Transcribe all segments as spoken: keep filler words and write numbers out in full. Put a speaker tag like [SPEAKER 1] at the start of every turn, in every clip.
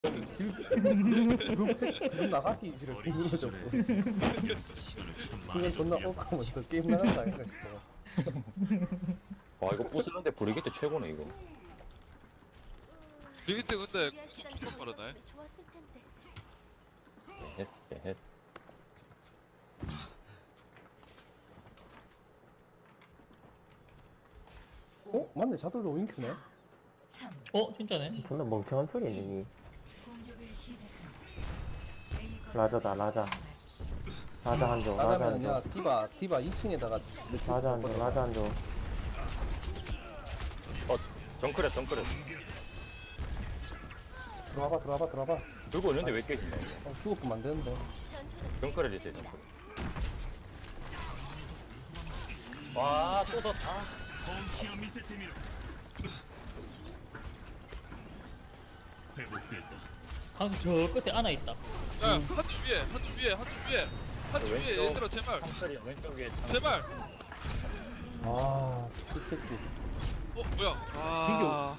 [SPEAKER 1] 그룹색 지금 나가기 싫어 죽는 거죠 뭐. 순간 존나 억하면서 게임 나간다 아닌가 싶어.
[SPEAKER 2] 와 이거 부스는데 브리기트 최고네 이거.
[SPEAKER 3] 브리기트 근데
[SPEAKER 4] 준비할 시간이
[SPEAKER 3] 엄청
[SPEAKER 4] 더
[SPEAKER 3] 빠르네.
[SPEAKER 4] 있었으면 좋았을 텐데.
[SPEAKER 2] 헷, 헷.
[SPEAKER 1] 어? 맞네 자들도 윙큐네.
[SPEAKER 5] 어 진짜네.
[SPEAKER 6] 존나 멍청한 소리네. 라자다 라자. 라자 한조 라자
[SPEAKER 1] 나가면 야
[SPEAKER 6] 한조
[SPEAKER 1] 디바 디바 이 층에다가
[SPEAKER 6] 라자 한조 라자 한조.
[SPEAKER 2] 어 정크렛 정크렛.
[SPEAKER 1] 들어와봐 들어와봐 들어와봐.
[SPEAKER 2] 들고 있는데 왜 깨진다 이거.
[SPEAKER 1] 어, 죽었으면 안 되는데.
[SPEAKER 2] 정크렛 있어요 정크렛. 와또 더. 아.
[SPEAKER 5] 강 저 끝에 하나 있다.
[SPEAKER 3] 야, 한쪽 위에, 한쪽 위에, 한쪽 위에, 한쪽 위에,
[SPEAKER 2] 왼쪽.
[SPEAKER 3] 얘들아 제발,
[SPEAKER 2] 창철이 왼쪽 위에 창.
[SPEAKER 3] 제발.
[SPEAKER 1] 아 씹새끼.
[SPEAKER 3] 어 뭐야? 아,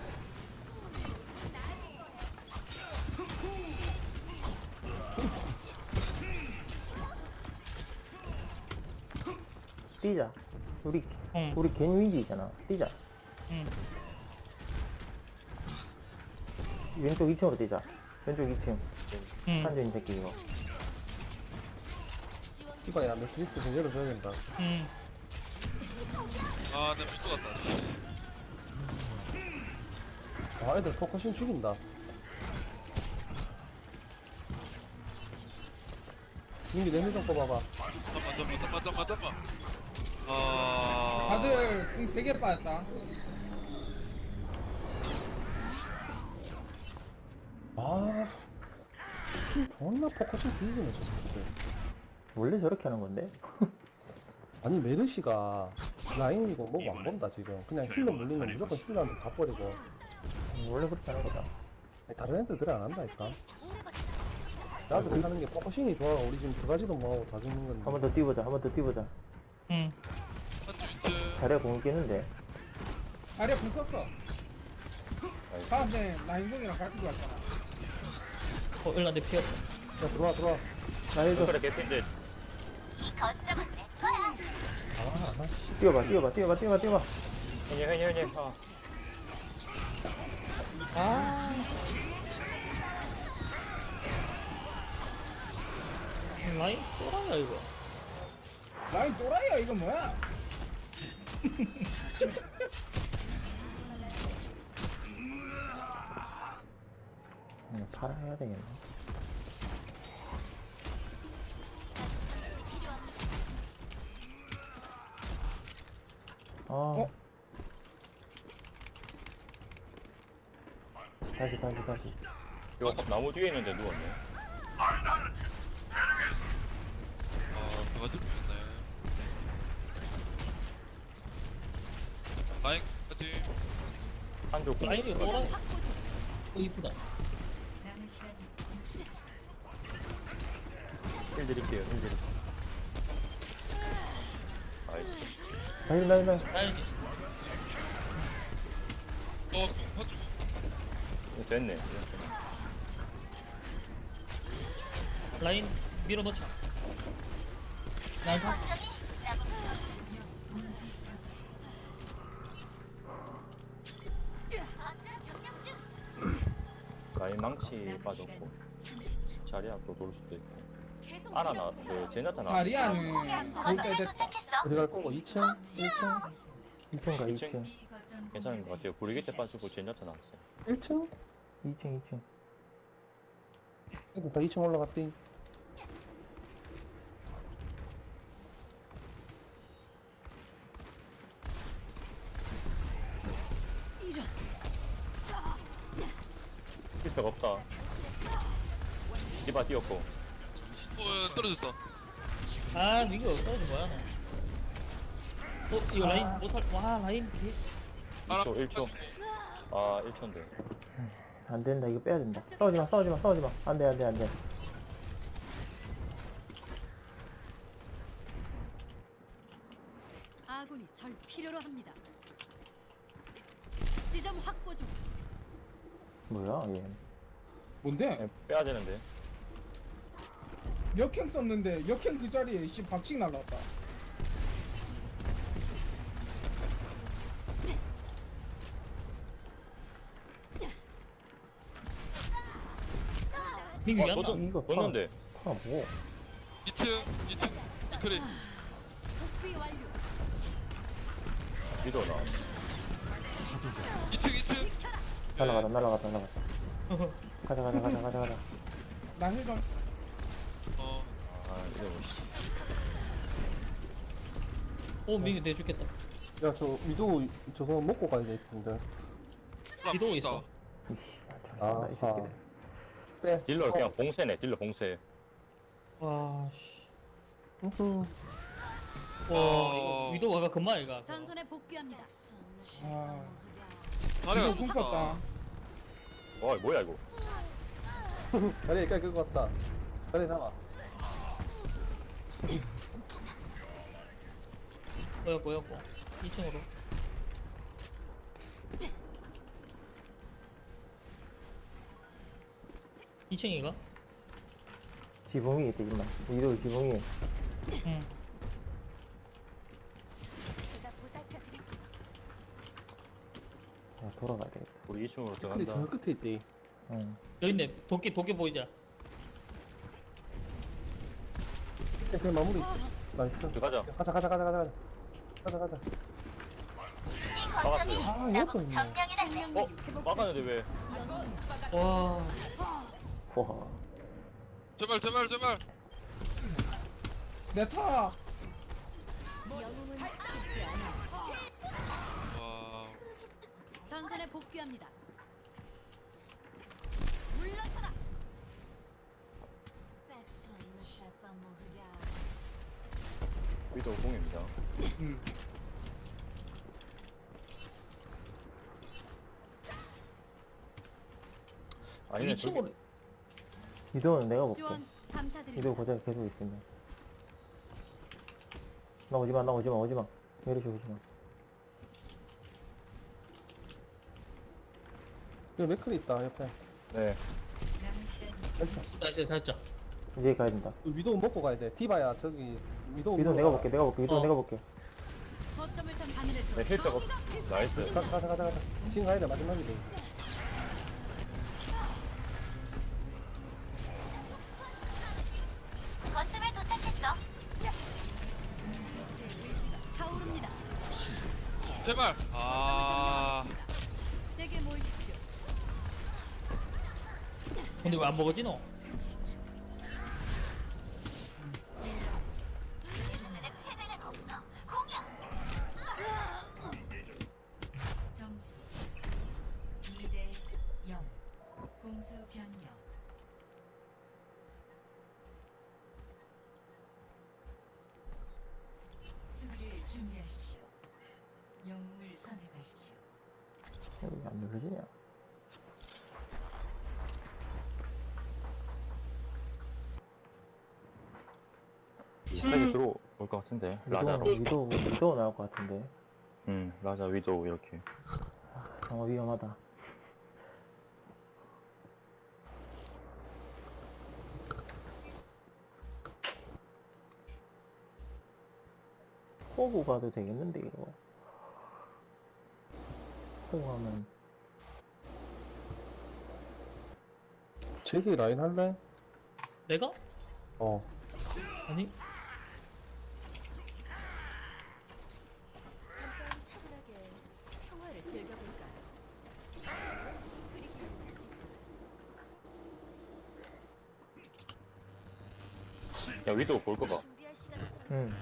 [SPEAKER 6] 뛰자. 우리
[SPEAKER 5] 응.
[SPEAKER 6] 우리 겐위기잖아. 뛰자.
[SPEAKER 5] 응.
[SPEAKER 6] 왼쪽 이 층으로 뛰자. 왼쪽 이 층.
[SPEAKER 5] 응.
[SPEAKER 6] 한조 이 새끼 이거.
[SPEAKER 1] 디바야 매트리스 좀 열어줘야 된다.
[SPEAKER 5] 응.
[SPEAKER 3] 아, 내가 밀것 같다.
[SPEAKER 1] 아 애들 포커싱 죽인다. 민기 내밀 좀 뽑아봐.
[SPEAKER 3] 잠깐만, 잠깐만, 잠깐만, 잠깐만, 잠깐만. 아,
[SPEAKER 7] 다들 궁 되게 빠졌다.
[SPEAKER 1] 아 존나 포커싱 뒤지네 저 새끼들.
[SPEAKER 6] 원래 저렇게 하는 건데?
[SPEAKER 1] 아니 메르시가 라인이고 뭐고 안 본다 지금. 그냥 힐러 물리면 무조건 힐러한테 다 버리고.
[SPEAKER 6] 원래 그렇게 하는 거다.
[SPEAKER 1] 아니, 다른 애들 그래 안 한다니까. 나도 하는 게 포커싱이 좋아. 우리 지금 들어가지도 뭐하고 다 죽는 건데.
[SPEAKER 6] 한 번 더 뛰보자. 한 번 더 뛰보자.
[SPEAKER 5] 응.
[SPEAKER 3] 한쪽 이제
[SPEAKER 6] 자리에 공을 끼는데.
[SPEAKER 7] 아래 궁 썼어. 다음에 라인공이랑 같이 왔잖아.
[SPEAKER 5] 어 일단 내 피었다.
[SPEAKER 1] 야 들어와 들어와.
[SPEAKER 6] 나 해줘.
[SPEAKER 2] 정크렛 개핀데.
[SPEAKER 1] 아나 씨.
[SPEAKER 6] 뛰어봐 뛰어봐 뛰어봐 뛰어봐 뛰어봐.
[SPEAKER 2] 현이 현이 현이. 아.
[SPEAKER 5] 라인 또라이야 이거.
[SPEAKER 7] 라인 또라이야 이거 뭐야?
[SPEAKER 6] 그냥 팔아 해야 되겠네. 아.
[SPEAKER 7] 어?
[SPEAKER 6] 다시 다시 다시.
[SPEAKER 2] 이거 나무 뒤에 있는데 누웠네.
[SPEAKER 3] 아, 그가 좀 있네. 라인까지.
[SPEAKER 2] 한쪽 공.
[SPEAKER 5] 라인이 또라이. 어 이쁘다.
[SPEAKER 2] 힐 드릴게요 힐 드릴게요. 아이씨.
[SPEAKER 6] 라인 라인 라인.
[SPEAKER 5] 라인이.
[SPEAKER 3] 어, 한쪽.
[SPEAKER 2] 이거 됐네.
[SPEAKER 5] 라인 밀어넣자. 라인 가.
[SPEAKER 2] 라인 망치 빠졌고. 자리야 또 돌 수도 있고. 아나 나왔어. 제냐타 나왔어.
[SPEAKER 7] 다리아는 볼때 됐다.
[SPEAKER 1] 어디 갈 거고 이 층? 일 층?
[SPEAKER 6] 이 층가 이
[SPEAKER 2] 이 층?
[SPEAKER 6] 층.
[SPEAKER 2] 괜찮은 것 같아요. 브리기트 빠지고 제냐타 나왔어요.
[SPEAKER 1] 일 층?
[SPEAKER 6] 이 층 이 층.
[SPEAKER 1] 애들 다 이 층 올라갔디.
[SPEAKER 2] 필터가 없다. 디바 뛰었고.
[SPEAKER 3] 어, 야, 떨어졌어.
[SPEAKER 5] 아 이거 떨어진 거야 너. 어 이거 라인 못 살. 와 라인 개.
[SPEAKER 3] 하나,
[SPEAKER 2] 일 초 일 초. 아 일 초인데.
[SPEAKER 6] 안 된다. 이거 빼야 된다. 싸우지 마 싸우지 마 싸우지 마. 안 돼 안 돼 안 돼.
[SPEAKER 4] 아군이 절 필요로 합니다. 지점 확보 중.
[SPEAKER 6] 뭐야 얘.
[SPEAKER 7] 뭔데?
[SPEAKER 2] 네, 빼야 되는데.
[SPEAKER 7] 역행 썼는데 역행 그 자리에 씨 박치기 날라왔다.
[SPEAKER 5] 민규
[SPEAKER 2] 어,
[SPEAKER 5] 얀다.
[SPEAKER 2] 너도
[SPEAKER 6] 이거
[SPEAKER 2] 넣는데.
[SPEAKER 6] 파 뭐?
[SPEAKER 3] 이 층 이 층 이클이
[SPEAKER 4] 복귀 완료.
[SPEAKER 2] 위도 나.
[SPEAKER 3] 이 층 이 층
[SPEAKER 6] 날라가다 날라가다 날라가다. 가자 가자 가자 가자 가자.
[SPEAKER 7] 나 힐좀
[SPEAKER 3] 어
[SPEAKER 2] 아 이거 뭐 씨.
[SPEAKER 5] 오 민규 내 죽겠다.
[SPEAKER 1] 야 저 위도 저거 먹고 가야 되는데.
[SPEAKER 5] 기도 있어.
[SPEAKER 6] 이씨, 잘
[SPEAKER 1] 아,
[SPEAKER 6] 쏜다 이 새끼들.
[SPEAKER 1] 빼.
[SPEAKER 2] 딜러
[SPEAKER 1] 어.
[SPEAKER 2] 그냥 봉쇄네. 딜러 봉쇄.
[SPEAKER 5] 와 씨.
[SPEAKER 1] 음흠.
[SPEAKER 5] 와
[SPEAKER 3] 어.
[SPEAKER 5] 이거 위도 와가 금방 이가.
[SPEAKER 4] 전선에 복귀합니다.
[SPEAKER 7] 아.
[SPEAKER 3] 자리가
[SPEAKER 7] 이거 궁 썼다.
[SPEAKER 2] 와 뭐야 이거.
[SPEAKER 1] 자리에 깔 끌고 왔다. 자리에 나와.
[SPEAKER 5] 꼬였고 꼬였고. 이 층으로. 이 층이가?
[SPEAKER 6] 지붕이 있대 임마. 위도 지붕이.
[SPEAKER 5] 응.
[SPEAKER 4] 제가 보살펴드릴게요.
[SPEAKER 6] 야, 돌아가야 되겠다.
[SPEAKER 2] 우리 이 층으로
[SPEAKER 1] 근데 저
[SPEAKER 2] 들어간다.
[SPEAKER 1] 끝에 있대.
[SPEAKER 6] 응.
[SPEAKER 5] 여기 있네. 도끼 도끼 보이자.
[SPEAKER 1] 이제 그냥 마무리. 나이스.
[SPEAKER 2] 들어가자.
[SPEAKER 1] 가자 가자 가자 가자. 가자 가자.
[SPEAKER 2] 막았어요.
[SPEAKER 1] 아 이것도 있네.
[SPEAKER 2] 어? 막았는데 왜?
[SPEAKER 5] 와.
[SPEAKER 6] 와.
[SPEAKER 3] 제발 제발 제발
[SPEAKER 7] 내 타.
[SPEAKER 4] 영웅은 죽지 않아.
[SPEAKER 3] 와
[SPEAKER 4] 전선에 복귀합니다. 물러서라.
[SPEAKER 2] 위도 공입니다.
[SPEAKER 7] 응.
[SPEAKER 2] 아니면
[SPEAKER 5] 이 층으로.
[SPEAKER 6] 위도는 내가 볼게.
[SPEAKER 4] 지원 감사드립니다.
[SPEAKER 6] 위도 고작 계속 있으면. 나 오지마 나 오지마 오지마. 내려줘 오지마.
[SPEAKER 1] 여기 맥클이 있다 옆에.
[SPEAKER 2] 네.
[SPEAKER 1] 나이스.
[SPEAKER 5] 나이스 살짝.
[SPEAKER 6] 이제 가야 된다.
[SPEAKER 1] 위도 먹고 가야 돼. 디바야 저기 위도.
[SPEAKER 6] 위도 내가 볼게 내가 볼게 위도
[SPEAKER 5] 어.
[SPEAKER 6] 내가 볼게.
[SPEAKER 4] 거점을 점 하늘에서
[SPEAKER 2] 네 힐백 없. 나이스.
[SPEAKER 1] 가자 가자 가자 가자. 지금 가야 돼 마지막이지.
[SPEAKER 4] 거점에 도착했어. 타오릅니다.
[SPEAKER 3] 제발 아
[SPEAKER 4] 제게 모이십시오.
[SPEAKER 5] 근데 왜 안 먹었지 너?
[SPEAKER 8] 점수 이 대 영 공수 변경 수비를 준비하십시오. 영웅을 선택하십시오.
[SPEAKER 6] 여기 안 눌러지냐?
[SPEAKER 2] 비슷하게 들어올 것 같은데. 라자로.
[SPEAKER 6] 위도 위도 위도 나올 것 같은데.
[SPEAKER 2] 음 라자 위도 이렇게.
[SPEAKER 6] 어 위험하다. 호구 가도 되겠는데 이거. 호구 하면
[SPEAKER 1] 제시 라인 할래?
[SPEAKER 5] 내가?
[SPEAKER 1] 어.
[SPEAKER 5] 아니.
[SPEAKER 4] 잠깐 차분하게 평화를 즐겨볼까요?
[SPEAKER 2] 야 위도 볼 거 봐.
[SPEAKER 4] 준비할 시간
[SPEAKER 6] 응.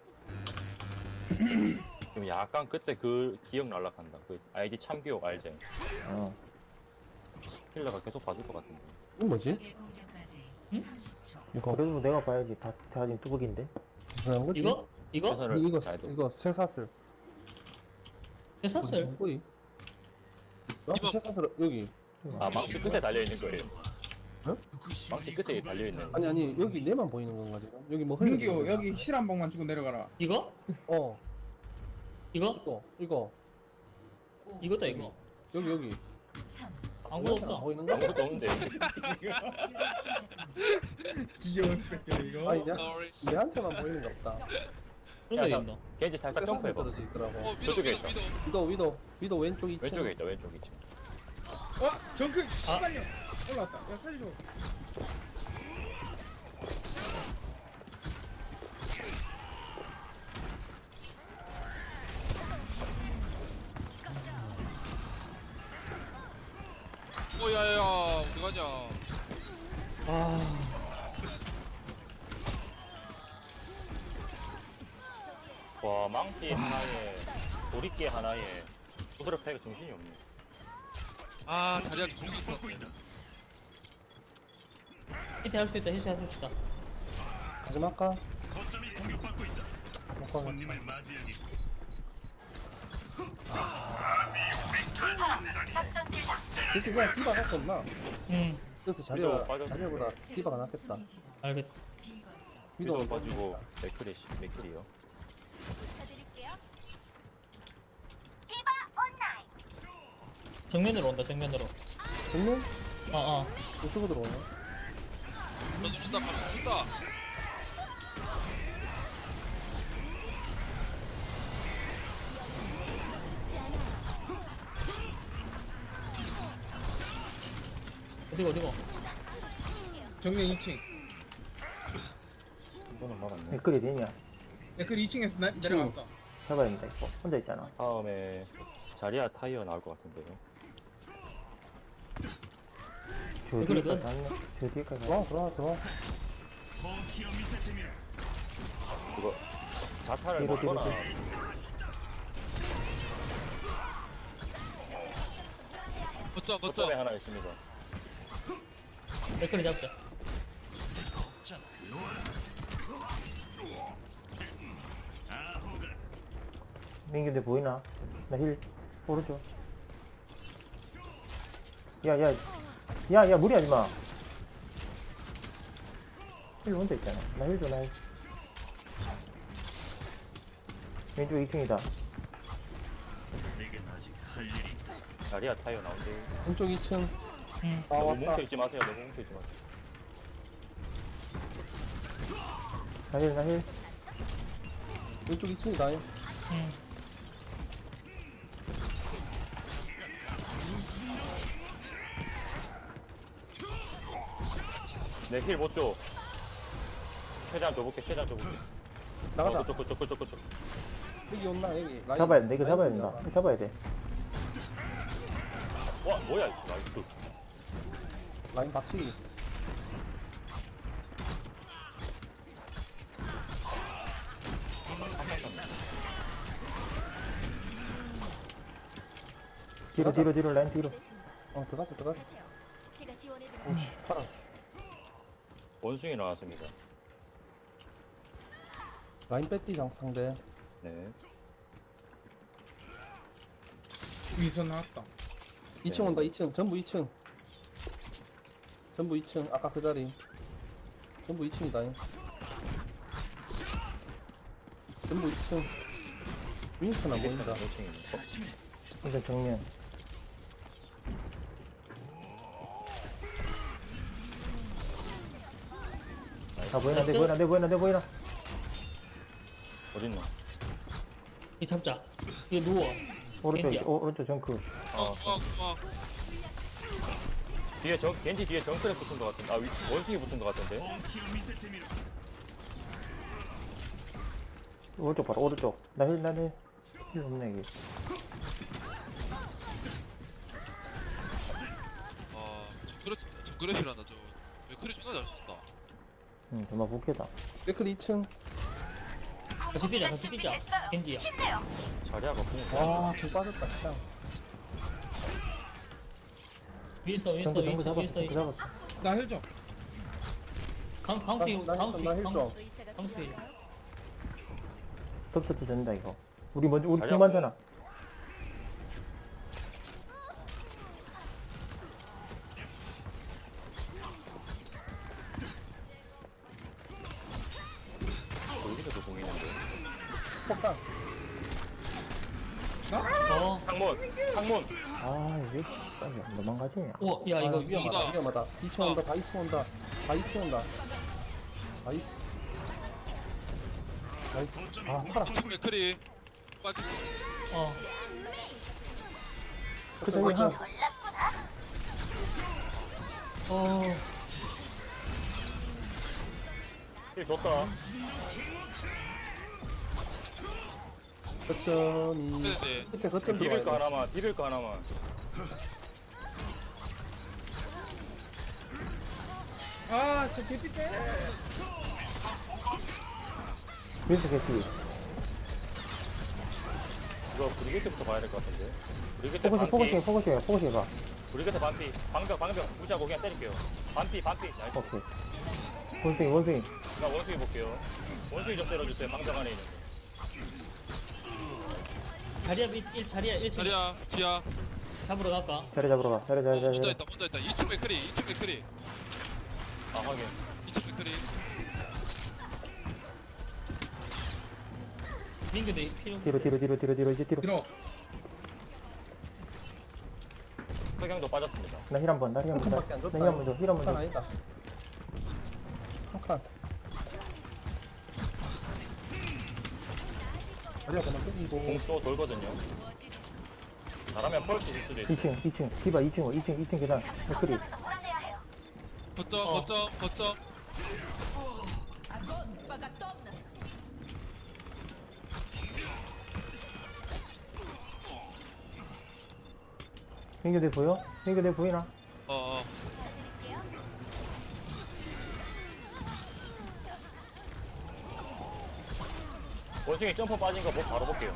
[SPEAKER 2] 지금 약간 그때 그 기억 날락한다. 그 아이디 참기억 알지?
[SPEAKER 6] 어.
[SPEAKER 2] 힐러가 계속 봐줄 것 같은데.
[SPEAKER 1] 이거 뭐지?
[SPEAKER 8] 적의 공격까지
[SPEAKER 5] 응?
[SPEAKER 8] 삼십 초.
[SPEAKER 1] 이거
[SPEAKER 6] 그래도 내가 봐야지. 다 대하진 뚜벅인데.
[SPEAKER 1] 무슨 거지?
[SPEAKER 5] 이거? 이거?
[SPEAKER 2] 최선을
[SPEAKER 1] 이거
[SPEAKER 2] 다해도.
[SPEAKER 1] 이거 쇠사슬.
[SPEAKER 5] 내 샀어요.
[SPEAKER 1] 무슨 거이? 나도 쇠사슬 여기.
[SPEAKER 2] 아 망치 끝에 달려 있는 거예요.
[SPEAKER 1] 응?
[SPEAKER 2] 망치 끝에 달려 있는.
[SPEAKER 1] 아니 아니 여기 내만 보이는 건가 지금? 여기 뭐 흘리는
[SPEAKER 7] 민규
[SPEAKER 1] 거야?
[SPEAKER 7] 여기 실 한 방만 주고 내려가라.
[SPEAKER 5] 이거?
[SPEAKER 1] 어
[SPEAKER 5] 이거?
[SPEAKER 1] 이거 이거
[SPEAKER 5] 이거다 이거.
[SPEAKER 1] 여기 여기.
[SPEAKER 8] 삼,
[SPEAKER 5] 아무것도
[SPEAKER 1] 우리한테는 안
[SPEAKER 5] 없어.
[SPEAKER 1] 보이는 거?
[SPEAKER 2] 아무것도 없는데.
[SPEAKER 7] 귀여운 스펙들 이거.
[SPEAKER 1] 아니 내,
[SPEAKER 3] Sorry.
[SPEAKER 1] 내한테만 보이는 게 없다.
[SPEAKER 5] 그런 데
[SPEAKER 2] 야,
[SPEAKER 5] 있나?
[SPEAKER 2] 겐지 살짝
[SPEAKER 1] 세상에
[SPEAKER 2] 점프해봐.
[SPEAKER 1] 떨어져 있더라고.
[SPEAKER 3] 어 위도
[SPEAKER 2] 저쪽에
[SPEAKER 3] 위도
[SPEAKER 2] 있다.
[SPEAKER 3] 위도.
[SPEAKER 1] 위도 위도 위도 왼쪽 이 층.
[SPEAKER 2] 왼쪽에 있다 왼쪽 이층.
[SPEAKER 7] 어? 정크 씨발려. 올라왔다. 야 살려줘.
[SPEAKER 3] 어 야야야 어디 가냐.
[SPEAKER 5] 아
[SPEAKER 2] 와 망치 하나에 도리깨 하나에 두드려 패가 정신이 없네.
[SPEAKER 3] 아 자리야 공기 있었어.
[SPEAKER 5] 히트 할 수 있다 히트 할 수 있다.
[SPEAKER 1] 가지 말까? 못 가겠다. 지금 그냥 디바 할수 없나?
[SPEAKER 5] 응
[SPEAKER 1] 그래서
[SPEAKER 2] 위도
[SPEAKER 1] 자리가
[SPEAKER 2] 빠졌네.
[SPEAKER 1] 자리보다 디바가 낫겠다.
[SPEAKER 8] 수비 지점.
[SPEAKER 5] 알겠다.
[SPEAKER 8] 비거점.
[SPEAKER 1] 위도
[SPEAKER 2] 위도 빠지고 맥크리 맥크리요.
[SPEAKER 4] 찾아드릴게요.
[SPEAKER 5] 정면으로 온다 정면으로.
[SPEAKER 1] 정면
[SPEAKER 5] 어어.
[SPEAKER 1] 이쪽으로 들어오네.
[SPEAKER 3] 너 준다 가면 준다.
[SPEAKER 5] 어디고 어디고.
[SPEAKER 7] 정면 이 층.
[SPEAKER 2] 이거는 말았네.
[SPEAKER 6] 댓글이 되냐?
[SPEAKER 7] 야, 그 이 층에서 나, 내려왔다.
[SPEAKER 6] 잡아야 된다 이거. 혼자 있잖아.
[SPEAKER 2] 다음에 자리야 타이어 나올 것 같은데요.
[SPEAKER 6] 저
[SPEAKER 5] 댓글이
[SPEAKER 6] 뒤에까지
[SPEAKER 5] 돼?
[SPEAKER 6] 갔네. 저 뒤에까지 갔네.
[SPEAKER 1] 들어와 들어와 들어와.
[SPEAKER 2] 그거 자타를
[SPEAKER 6] 뒤로, 뒤로,
[SPEAKER 2] 먹거나
[SPEAKER 3] 거점 거점.
[SPEAKER 2] 거점에 하나 있습니다.
[SPEAKER 5] 댓글이 잡자.
[SPEAKER 6] 민규인데 보이나? 나 힐 오른쪽. 야야 야야 무리하지 마. 힐 혼자 있잖아. 나 힐 줘, 나 힐. 왼쪽 이 층이다.
[SPEAKER 2] 자리야 타이어 나온대.
[SPEAKER 1] 왼쪽 이 층.
[SPEAKER 5] 응.
[SPEAKER 1] 아
[SPEAKER 2] 너무
[SPEAKER 1] 왔다.
[SPEAKER 2] 뭉쳐있지 마세요. 너무 뭉쳐있지 마세요.
[SPEAKER 6] 나 힐, 나 힐.
[SPEAKER 1] 왼쪽 이 층이다.
[SPEAKER 5] 응.
[SPEAKER 2] 내힐 못 줘. 최대한 줘볼게. 최대한 줘볼게.
[SPEAKER 1] 나가자.
[SPEAKER 2] 어, 그쪽 그쪽 그쪽 그쪽.
[SPEAKER 1] 여기 온나 여기. 라인.
[SPEAKER 6] 잡아야 돼. 이거 잡아야
[SPEAKER 1] 라인
[SPEAKER 6] 된다.
[SPEAKER 1] 올라가.
[SPEAKER 6] 이거 잡아야 돼.
[SPEAKER 2] 와 뭐야 이거 나이스.
[SPEAKER 1] 라인 박치기.
[SPEAKER 6] 뒤로, 뒤로, 뒤로, 라인 뒤로.
[SPEAKER 4] 됐습니다.
[SPEAKER 1] 어 들어가자 들어가자.
[SPEAKER 4] 가세요. 제가 지원해드릴게요.
[SPEAKER 1] 오씨 파라.
[SPEAKER 2] 원숭이 나왔습니다.
[SPEAKER 1] 라인 빼띠 장 상대.
[SPEAKER 2] 네.
[SPEAKER 7] 위에서 나왔다.
[SPEAKER 1] 이 층 온다 이 층. 전부 이 층. 전부 이 층. 아까 그 자리. 전부 이 층이다. 전부 이 층. 윈스턴 안 보인다.
[SPEAKER 2] 원숭이입니다.
[SPEAKER 6] 이거 정면. 아, 보이나, 내 보이나, 내 보이나, 내 보이나.
[SPEAKER 2] 어딨나?
[SPEAKER 5] 이 잡자. 이거 누워.
[SPEAKER 6] 오른쪽,
[SPEAKER 5] 겐지야.
[SPEAKER 6] 오, 오른쪽 정크.
[SPEAKER 3] 어 고마워 고마워.
[SPEAKER 2] 뒤에 정 겐지 뒤에 정크랩 붙은 것 같은데. 아 위, 원숭이 붙은 것 같은데.
[SPEAKER 6] 오른쪽 봐라, 오른쪽. 나 힐, 나 힐. 힐 없네, 이게.
[SPEAKER 3] 아 정그레 정그레시란다 저. 왜 크리 존나 잘 썼다.
[SPEAKER 6] 응, 정말 부캐다.
[SPEAKER 1] 댓글 이 층.
[SPEAKER 5] 같이 뛰자 같이 뛰자. 겐지야.
[SPEAKER 2] 자리야가 그냥.
[SPEAKER 1] 와, 개 빠졌다, 그냥.
[SPEAKER 5] 윈스터 윈스터
[SPEAKER 6] 정크, 정크
[SPEAKER 5] 윈스터
[SPEAKER 6] 잡았어,
[SPEAKER 5] 윈스터.
[SPEAKER 6] 정크 잡았어.
[SPEAKER 7] 나 힐 좀.
[SPEAKER 5] 강 강수
[SPEAKER 1] 나, 나,
[SPEAKER 5] 강수
[SPEAKER 1] 나 힐 좀.
[SPEAKER 5] 강수
[SPEAKER 4] 의사가
[SPEAKER 5] 강수.
[SPEAKER 4] 필요한가요?
[SPEAKER 6] 덮쳐도 된다, 이거. 우리 먼저, 우리
[SPEAKER 2] 자리야.
[SPEAKER 6] 팀 많잖아.
[SPEAKER 2] 여기서도 공이는데.
[SPEAKER 1] 폭탄.
[SPEAKER 5] 어.
[SPEAKER 2] 창문 창문.
[SPEAKER 6] 아 이게 씨발 도망가지냐.
[SPEAKER 5] 우와, 야, 이거
[SPEAKER 1] 아, 위험하다
[SPEAKER 3] 이거다.
[SPEAKER 1] 위험하다 이 층 온다 다 이 층 온다 다 이 층 온다 나이스 나이스 아 팔아
[SPEAKER 3] 맥크리 빠지고.
[SPEAKER 5] 어.
[SPEAKER 6] 그 저기 한
[SPEAKER 5] 어.
[SPEAKER 2] 힐 줬다.
[SPEAKER 1] 거점이
[SPEAKER 3] 네네.
[SPEAKER 1] 끝에 거점
[SPEAKER 2] 비빌 거
[SPEAKER 1] 들어와야 돼
[SPEAKER 2] 하나만. 비빌 거 하나만.
[SPEAKER 7] 아저 개피 때.
[SPEAKER 6] 윈스 개피.
[SPEAKER 2] 이거 브리게트부터 봐야 될 것 같은데. 브리게트
[SPEAKER 6] 포커싱 포커싱
[SPEAKER 2] 반피.
[SPEAKER 6] 포커싱 포커싱 해봐.
[SPEAKER 2] 브리게트 반피. 방벽 방벽 무시하고 그냥 때릴게요. 반피 반피. 나이스.
[SPEAKER 6] 오케이. 원숭이 원숭이.
[SPEAKER 2] 나 원숭이 볼게요. 원숭이 좀 때려주세요. 방벽 안에 있는.
[SPEAKER 5] 자리야, 밑, 일, 자리야, 일 층.
[SPEAKER 3] 자리야 지야.
[SPEAKER 5] 잡으러 갈까?
[SPEAKER 6] 자리 잡으러 가. 자리 자리 자리.
[SPEAKER 3] 혼자
[SPEAKER 6] 자리.
[SPEAKER 3] 있다 혼자 있다. 이 층 맥크리 이 층 맥크리
[SPEAKER 2] 아 확인.
[SPEAKER 3] 이 층 맥크리.
[SPEAKER 5] 민규도 필요.
[SPEAKER 6] 뒤로 뒤로 뒤로 뒤로 뒤로 이제 뒤로.
[SPEAKER 7] 들어.
[SPEAKER 2] 석양도 빠졌습니다.
[SPEAKER 6] 나 힐 한번. 나 힐 한번.
[SPEAKER 1] 밖에 안 줬다
[SPEAKER 6] 나힐 한번 줘. 힐 한번
[SPEAKER 1] 칸
[SPEAKER 6] 줘.
[SPEAKER 1] 아니다 한칸 자리야 그만 끄기고
[SPEAKER 2] 공수 돌거든요. 잘하면 펄스 줄 수도 있어.
[SPEAKER 6] 이 층 이 층. 디바 이 층 이 층 이 층 계단. 맥크리.
[SPEAKER 3] 거점
[SPEAKER 5] 어.
[SPEAKER 3] 거점 거점.
[SPEAKER 6] 민규 내 보여? 민규 내 보이나?
[SPEAKER 3] 어어.
[SPEAKER 2] 원숭이 점프 빠진 거 보- 바로 볼게요.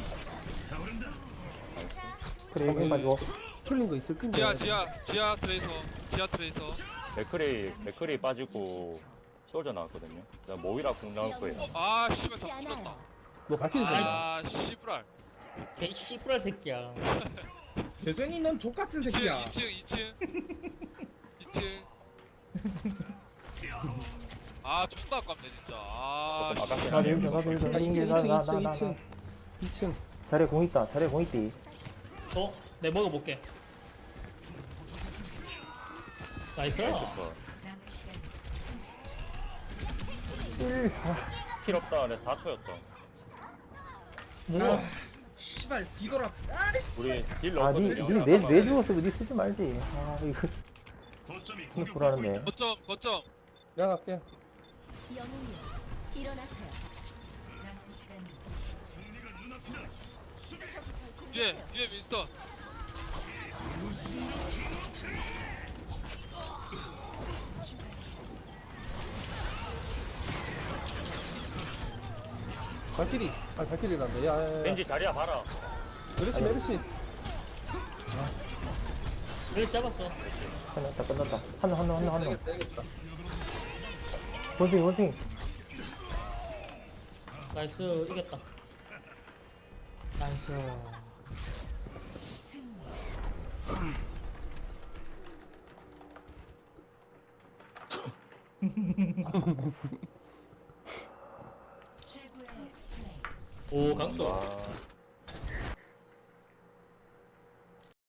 [SPEAKER 6] 그래 여기 빠지고.
[SPEAKER 1] 틀린 거 있을 텐데
[SPEAKER 3] 지야 지야 지야 트레이서 지야 트레이서.
[SPEAKER 2] 맥크리 맥크리 빠지고 솔져 나왔거든요. 자, 모이라 궁 나올 거예요.
[SPEAKER 3] 아 씨발
[SPEAKER 4] 죽지
[SPEAKER 3] 다
[SPEAKER 4] 않아요.
[SPEAKER 3] 죽었다.
[SPEAKER 1] 너 발키리 줬나?
[SPEAKER 3] 아 씨부랄.
[SPEAKER 5] 개 씨뿌랄 새끼야.
[SPEAKER 7] 대선이 넌 족같은
[SPEAKER 3] 이 층
[SPEAKER 7] 새끼야.
[SPEAKER 3] 이 층 이 층 이 층. 아 존나 아깝네 진짜. 아
[SPEAKER 2] 조금 아깝긴
[SPEAKER 6] 나도
[SPEAKER 2] 하네요.
[SPEAKER 6] 일등 나도 일등.
[SPEAKER 1] 아, 이 층, 이 층, 이 층, 이
[SPEAKER 6] 나나나나.
[SPEAKER 1] 층, 이 층.
[SPEAKER 6] 자리에 공 있다. 자리에 공 있디.
[SPEAKER 5] 어? 내 먹어볼게. 나이스.
[SPEAKER 2] 좋다.
[SPEAKER 8] 남은 시간
[SPEAKER 6] 일. 아,
[SPEAKER 2] 필 없다. 네, 사 초였죠.
[SPEAKER 5] 뭐야?
[SPEAKER 7] 아, 씨발 뒤돌아. 아,
[SPEAKER 2] 우리 딜
[SPEAKER 6] 아, 니,
[SPEAKER 2] 넣었거든요.
[SPEAKER 6] 니, 내, 내 죽었으면 니 쓰지 말지. 아, 이거. 근데 불안한데.
[SPEAKER 3] 거점 거점.
[SPEAKER 1] 내가 갈게
[SPEAKER 4] 영웅이여 일어나세요.
[SPEAKER 8] 남은 시간 이십 초.
[SPEAKER 3] 뒤에 뒤에 윈스턴.
[SPEAKER 1] 발키리 아 발키리란다 야야야
[SPEAKER 2] 왠지 자리야 봐라.
[SPEAKER 1] 메르시 메르시
[SPEAKER 5] 그래, 잡았어.
[SPEAKER 6] 끝났다, 끝났다. 한 명, 한 명, 한 명, 한 명.
[SPEAKER 1] 되겠다 되겠다
[SPEAKER 6] 원숭이, 원숭이.
[SPEAKER 5] 나이스, 이겼다. 나이스.
[SPEAKER 8] 최고의 플레이.
[SPEAKER 5] 오, 강수.
[SPEAKER 2] 아,